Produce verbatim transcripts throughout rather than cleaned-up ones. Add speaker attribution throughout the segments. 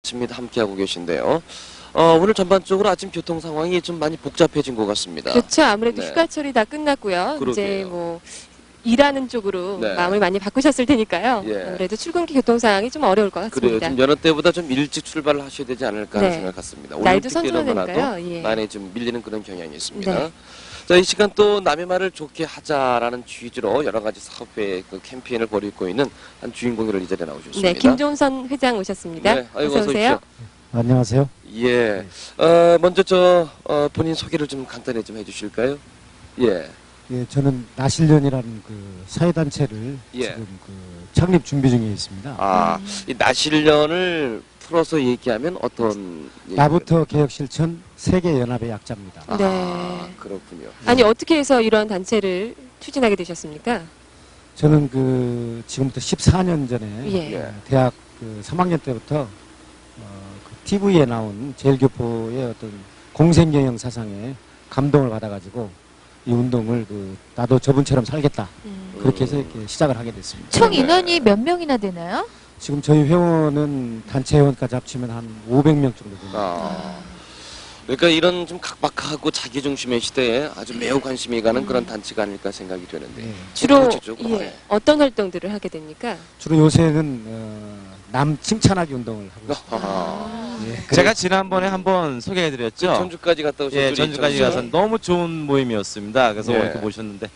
Speaker 1: 아침입니다. 함께하고 계신데요. 어, 오늘 전반적으로 아침 교통 상황이 좀 많이 복잡해진 것 같습니다.
Speaker 2: 그렇죠. 아무래도
Speaker 1: 네.
Speaker 2: 휴가철이 다 끝났고요.
Speaker 1: 그러게요.
Speaker 2: 이제 뭐 일하는 쪽으로
Speaker 1: 네.
Speaker 2: 마음을 많이 바꾸셨을 테니까요.
Speaker 1: 예.
Speaker 2: 아무래도 출근길 교통 상황이 좀 어려울 것
Speaker 1: 그래요.
Speaker 2: 같습니다.
Speaker 1: 좀 여느 때보다 좀 일찍 출발을 하셔야 되지 않을까 하는
Speaker 2: 네.
Speaker 1: 생각 같습니다.
Speaker 2: 날도
Speaker 1: 올림픽 때는
Speaker 2: 선선하니까요. 예.
Speaker 1: 많이 좀 밀리는 그런 경향이 있습니다.
Speaker 2: 네.
Speaker 1: 자, 이 시간 또 남의 말을 좋게 하자라는 취지로 여러 가지 사업회 그 캠페인을 벌이고 있는 한 주인공을 이 자리에 나오셨습니다.
Speaker 2: 네, 김종선 회장 오셨습니다.
Speaker 1: 네, 아이고,
Speaker 2: 어서
Speaker 1: 어서
Speaker 2: 오세요.
Speaker 1: 오십시오.
Speaker 3: 안녕하세요.
Speaker 1: 예. 어, 먼저 저 어, 본인 소개를 좀 간단히 좀 해주실까요? 예.
Speaker 3: 예, 저는 나실련이라는 그 사회단체를
Speaker 1: 예.
Speaker 3: 지금 그 창립 준비 중에 있습니다.
Speaker 1: 아, 이 나실련을 풀어서 얘기하면 어떤
Speaker 3: 나부터 개혁실천 세계연합의 약자입니다.
Speaker 1: 아,
Speaker 2: 네.
Speaker 1: 그렇군요.
Speaker 2: 아니 어떻게 해서 이런 단체를 추진하게 되셨습니까?
Speaker 3: 저는 그 지금부터 십사 년 전에
Speaker 2: 예.
Speaker 1: 예.
Speaker 3: 대학 그 삼 학년 때부터 어, 그 티비에 나온 제일교포의 어떤 공생경영 사상에 감동을 받아가지고 이 운동을 그 나도 저분처럼 살겠다
Speaker 2: 음.
Speaker 3: 그렇게 해서 이렇게 시작을 하게 됐습니다.
Speaker 4: 총 인원이 몇 명이나 되나요?
Speaker 3: 지금 저희 회원은 단체 회원까지 합치면 한 오백 명 정도 됩니다.
Speaker 1: 아. 그러니까 이런 좀 각박하고 자기중심의 시대에 아주 매우 관심이 가는 그런 단체가 아닐까 생각이 되는데
Speaker 3: 예.
Speaker 2: 주로
Speaker 1: 구체적으로,
Speaker 2: 예,
Speaker 1: 네.
Speaker 2: 어떤 활동들을 하게 됩니까?
Speaker 3: 주로 요새는 어, 남 칭찬하기 운동을 하고 있습니다.
Speaker 1: 아.
Speaker 3: 예,
Speaker 5: 제가 지난번에 한번 소개해드렸죠.
Speaker 1: 전주까지 갔다 오신
Speaker 5: 예,
Speaker 1: 분이
Speaker 5: 전주까지
Speaker 1: 있잖아요.
Speaker 5: 가서 너무 좋은 모임이었습니다. 그래서
Speaker 1: 예.
Speaker 5: 이렇게 모셨는데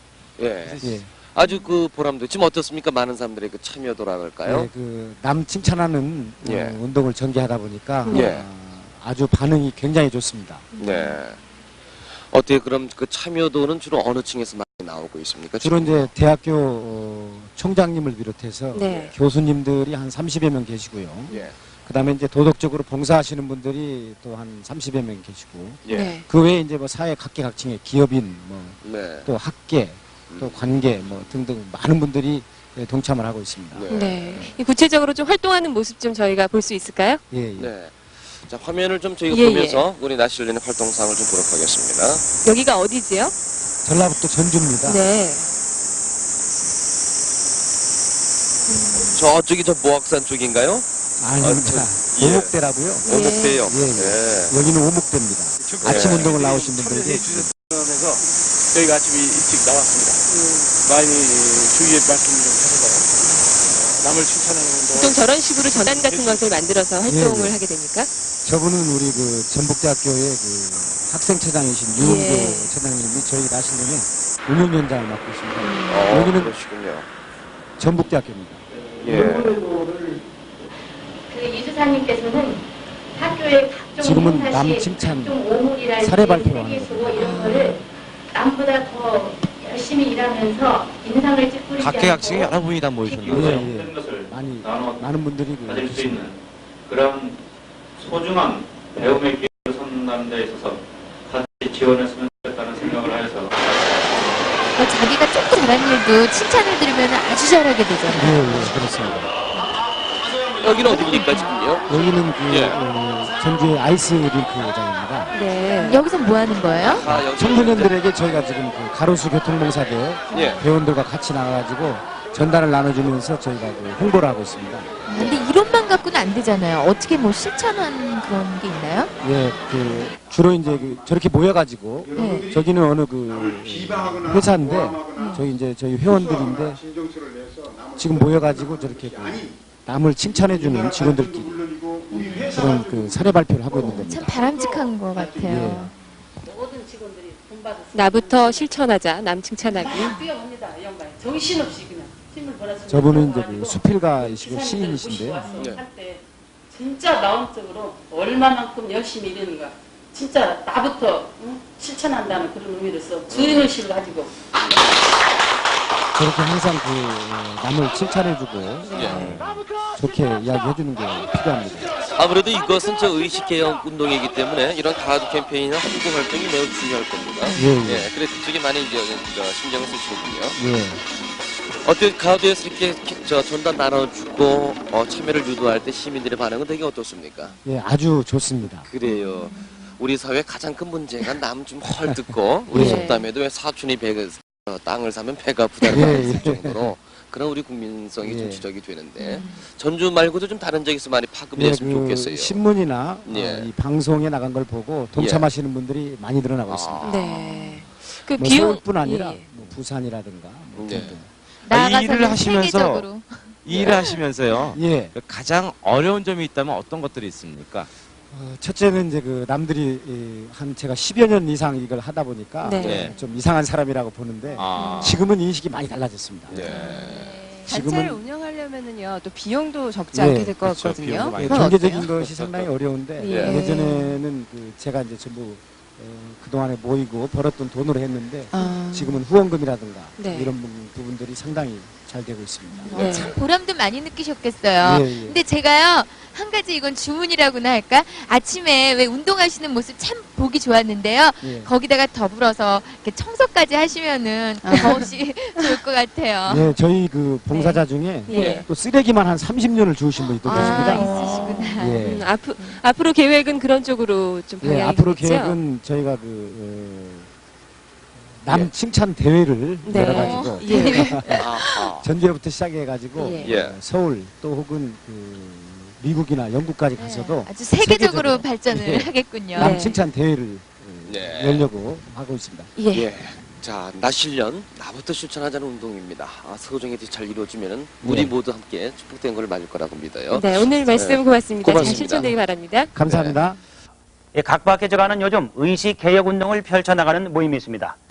Speaker 1: 예.
Speaker 3: 예.
Speaker 1: 아주 그 보람도 지금 어떻습니까? 많은 사람들의 그 참여도랄까요?
Speaker 3: 예, 그남 칭찬하는 어,
Speaker 1: 예.
Speaker 3: 운동을 전개하다 보니까
Speaker 1: 예.
Speaker 3: 어, 아주 반응이 굉장히 좋습니다.
Speaker 1: 네. 어떻게 그럼 그 참여도는 주로 어느 층에서 많이 나오고 있습니까?
Speaker 3: 주로
Speaker 1: 지금?
Speaker 3: 이제 대학교 어, 총장님을 비롯해서
Speaker 2: 네.
Speaker 3: 교수님들이 한 삼십여 명 계시고요.
Speaker 1: 예.
Speaker 3: 그다음에 이제 도덕적으로 봉사하시는 분들이 또 한 삼십여 명 계시고
Speaker 1: 예.
Speaker 2: 네.
Speaker 3: 그 외에 이제 뭐 사회 각계각층의 기업인 뭐
Speaker 1: 네.
Speaker 3: 또 학계 또 관계 뭐 등등 많은 분들이 예, 동참을 하고 있습니다.
Speaker 1: 네.
Speaker 2: 네. 이 구체적으로 좀 활동하는 모습 좀 저희가 볼 수 있을까요?
Speaker 3: 예, 예.
Speaker 1: 네. 자, 화면을 좀 저희가
Speaker 2: 예,
Speaker 1: 보면서 우리 나실련의 활동상을 좀 보도록 하겠습니다.
Speaker 2: 여기가 어디지요?
Speaker 3: 전라북도 전주입니다.
Speaker 2: 네.
Speaker 1: 저쪽이 저 모악산 쪽인가요?
Speaker 3: 아닙니다.
Speaker 1: 예.
Speaker 3: 오목대라고요.
Speaker 2: 예.
Speaker 1: 오목대요.
Speaker 3: 예, 예.
Speaker 1: 네.
Speaker 3: 여기는 오목대입니다. 아침 운동을 나오신 분들에게
Speaker 6: 그래서 저희가 아침에 일찍 나왔습니다. 많이 주위에 말씀 좀 해주세요. 남을 칭찬하는 운동.
Speaker 2: 보통 저런 식으로 전단 같은 것을 만들어서 활동을
Speaker 3: 예, 예.
Speaker 2: 하게 됩니까?
Speaker 3: 저분은 우리 그 전북대학교의 그 학생처장이신 유은교
Speaker 2: 예.
Speaker 3: 처장님이 저희 나실련의 운영위원장을 맡고 있습니다.
Speaker 1: 어,
Speaker 3: 여기는
Speaker 1: 그러시군요.
Speaker 3: 전북대학교입니다.
Speaker 1: 예.
Speaker 7: 그 이수사님께서는 학교의 각종
Speaker 3: 지금은
Speaker 7: 행사
Speaker 3: 남
Speaker 7: 시
Speaker 3: 칭찬
Speaker 7: 각종 오물이랄지
Speaker 3: 사례 발표를 하는
Speaker 7: 세계수고 이런 거를 남보다 더 열심히 일하면서 인상을 찌푸리지
Speaker 5: 각계각층이
Speaker 7: 않고
Speaker 5: 여러 분이 다 모이셨나요?
Speaker 3: 예, 예. 많이 많은 분들이 그
Speaker 8: 가질 수
Speaker 3: 계십니다.
Speaker 8: 있는 그런 소중한 배움의 기회를 선다는 데 있어서 같이 지원했으면 좋겠다는 생각을 하여서
Speaker 4: 뭐 자기가 조금 잘한 일도 칭찬을 들으면 아주 잘하게 되잖아요.
Speaker 3: 예, 예, 그렇습니다.
Speaker 1: 여기는 어디입니까, 지금요?
Speaker 3: 여기는 그
Speaker 1: 예.
Speaker 3: 어, 전주의 아이스 링크장입니다.
Speaker 2: 네.
Speaker 4: 여기서 뭐 하는 거예요?
Speaker 1: 아, 여기
Speaker 3: 청소년들에게 저희가 지금 그 가로수 교통봉사대
Speaker 1: 예.
Speaker 3: 회원들과 같이 나가가지고 전단을 나눠주면서 저희가 그 홍보를 하고 있습니다.
Speaker 4: 근데 이론만 갖고는 안 되잖아요. 어떻게 뭐 실천한 그런 게 있나요?
Speaker 3: 예, 그 주로 이제 그 저렇게 모여가지고
Speaker 4: 네.
Speaker 3: 저기는 어느 그 회사인데 저희 이제 저희 회원들인데 지금 모여가지고 저렇게 그 남을 칭찬해주는 직원들끼리 그런 그 사례 발표를 하고 있는
Speaker 4: 참
Speaker 3: 겁니다.
Speaker 4: 바람직한 것 같아요.
Speaker 2: 나부터 실천하자. 남 칭찬하기.
Speaker 9: 뛰어옵니다, 이 양반이. 정신없이 그냥 힘을 몰아서.
Speaker 3: 저분은 이제 그 수필가이시고 시인이신데요.
Speaker 1: 네.
Speaker 9: 할때 진짜 마음적으로 얼마만큼 열심히 일하는가. 진짜 나부터 응? 실천한다는 그런 의미로서 주인의식을 가지고.
Speaker 3: 저렇게 항상 그 어, 남을 칭찬해주고 어, 좋게 이야기해주는 게 필요합니다.
Speaker 1: 아무래도 이것은 저 의식개혁 운동이기 때문에 이런 가드 캠페인이나 홍보 활동이 매우 중요할 겁니다.
Speaker 3: 예, 예.
Speaker 1: 그래서 그쪽에 많이 이제 저 신경을 쓰시는군요.
Speaker 3: 예.
Speaker 1: 어떻게 가드에서 이렇게 저 전단 나눠주고 어, 참여를 유도할 때 시민들의 반응은 되게 어떻습니까?
Speaker 3: 예, 아주 좋습니다.
Speaker 1: 그래요. 우리 사회 가장 큰 문제가 남 좀 헐뜯고 우리
Speaker 3: 예.
Speaker 1: 속담에도 왜 사촌이 배, 어, 땅을 사면 배가 아프다는
Speaker 3: 예,
Speaker 1: 말이 있을
Speaker 3: 예.
Speaker 1: 정도로 그런 우리 국민성이 좀
Speaker 3: 예.
Speaker 1: 지적이 되는데 전주 말고도 좀 다른 지역에서 많이 파급이
Speaker 3: 예,
Speaker 1: 됐으면
Speaker 3: 그
Speaker 1: 좋겠어요.
Speaker 3: 신문이나
Speaker 1: 예.
Speaker 3: 어, 이 방송에 나간 걸 보고 동참하시는 분들이 많이 늘어나고 있습니다.
Speaker 1: 아.
Speaker 2: 네. 그
Speaker 3: 뭐
Speaker 2: 비용
Speaker 3: 서울뿐 아니라
Speaker 2: 예.
Speaker 3: 뭐 부산이라든가 뭐
Speaker 1: 네.
Speaker 3: 등등.
Speaker 5: 아, 이
Speaker 4: 나아가서는
Speaker 5: 일을 하시면서
Speaker 4: 세계적으로.
Speaker 5: 이 일을 하시면서요.
Speaker 3: 예.
Speaker 5: 가장 어려운 점이 있다면 어떤 것들이 있습니까?
Speaker 3: 어, 첫째는 이제 그 남들이 이, 한 제가 십여 년 이상 이걸 하다 보니까
Speaker 2: 네.
Speaker 5: 네.
Speaker 3: 좀 이상한 사람이라고 보는데
Speaker 5: 아.
Speaker 3: 지금은 인식이 많이 달라졌습니다.
Speaker 1: 네.
Speaker 2: 단체를
Speaker 3: 지금은
Speaker 2: 운영하려면은요 또 비용도 적지
Speaker 3: 예,
Speaker 2: 않게 될 것
Speaker 5: 그렇죠.
Speaker 2: 같거든요.
Speaker 5: 비용도 많이
Speaker 3: 예,
Speaker 2: 그건
Speaker 3: 경제적인
Speaker 2: 어때요?
Speaker 3: 것이 상당히 어려운데
Speaker 2: 예.
Speaker 3: 예전에는 그 제가 이제 전부 어, 그동안에 모이고 벌었던 돈으로 했는데
Speaker 2: 아.
Speaker 3: 지금은 후원금이라든가
Speaker 2: 네.
Speaker 3: 이런 부분, 부분들이 상당히 잘 되고 있습니다.
Speaker 2: 네.
Speaker 4: 참 보람도 많이 느끼셨겠어요.
Speaker 3: 예, 예.
Speaker 4: 근데 제가요 한 가지 이건 주문이라고나 할까 아침에 왜 운동하시는 모습 참 보기 좋았는데요.
Speaker 3: 예.
Speaker 4: 거기다가 더불어서 이렇게 청소까지 하시면은 더없이 좋을 것 같아요.
Speaker 3: 예, 저희 그 봉사자 중에
Speaker 2: 예.
Speaker 3: 또 쓰레기만 한 삼십 년을 주우신 분이 또
Speaker 2: 아,
Speaker 3: 계십니다.
Speaker 4: 있으시구나.
Speaker 3: 예.
Speaker 2: 음, 앞으, 앞으로 계획은 그런 쪽으로 좀
Speaker 3: 예,
Speaker 2: 방향이
Speaker 3: 앞으로
Speaker 2: 되겠죠?
Speaker 3: 계획은 저희가 그 어, 남
Speaker 1: 예.
Speaker 3: 칭찬 대회를
Speaker 2: 네.
Speaker 3: 열어가지고
Speaker 2: 예.
Speaker 1: 아하.
Speaker 3: 전주에부터 시작해가지고
Speaker 2: 예.
Speaker 1: 예.
Speaker 3: 어, 서울 또 혹은 그 미국이나 영국까지 가서도
Speaker 4: 아주 세계적으로
Speaker 3: 세계적으로.
Speaker 4: 발전을
Speaker 3: 예.
Speaker 4: 하겠군요.
Speaker 3: 남
Speaker 2: 네.
Speaker 3: 칭찬 대회를 어,
Speaker 1: 네.
Speaker 3: 열려고 하고 있습니다.
Speaker 2: 예.
Speaker 1: 예. 자, 나 실련, 나부터 실천하자는 운동입니다. 아, 서정이 잘 이루어지면 우리
Speaker 3: 예.
Speaker 1: 모두 함께 축복된 걸 맞을 거라고 믿어요.
Speaker 2: 네, 오늘 말씀
Speaker 1: 네.
Speaker 2: 고맙습니다. 잘
Speaker 1: 고맙습니다.
Speaker 2: 실천되기 바랍니다.
Speaker 3: 감사합니다.
Speaker 10: 각박해져가는 요즘 의식 개혁 운동을 펼쳐나가는 모임이 있습니다.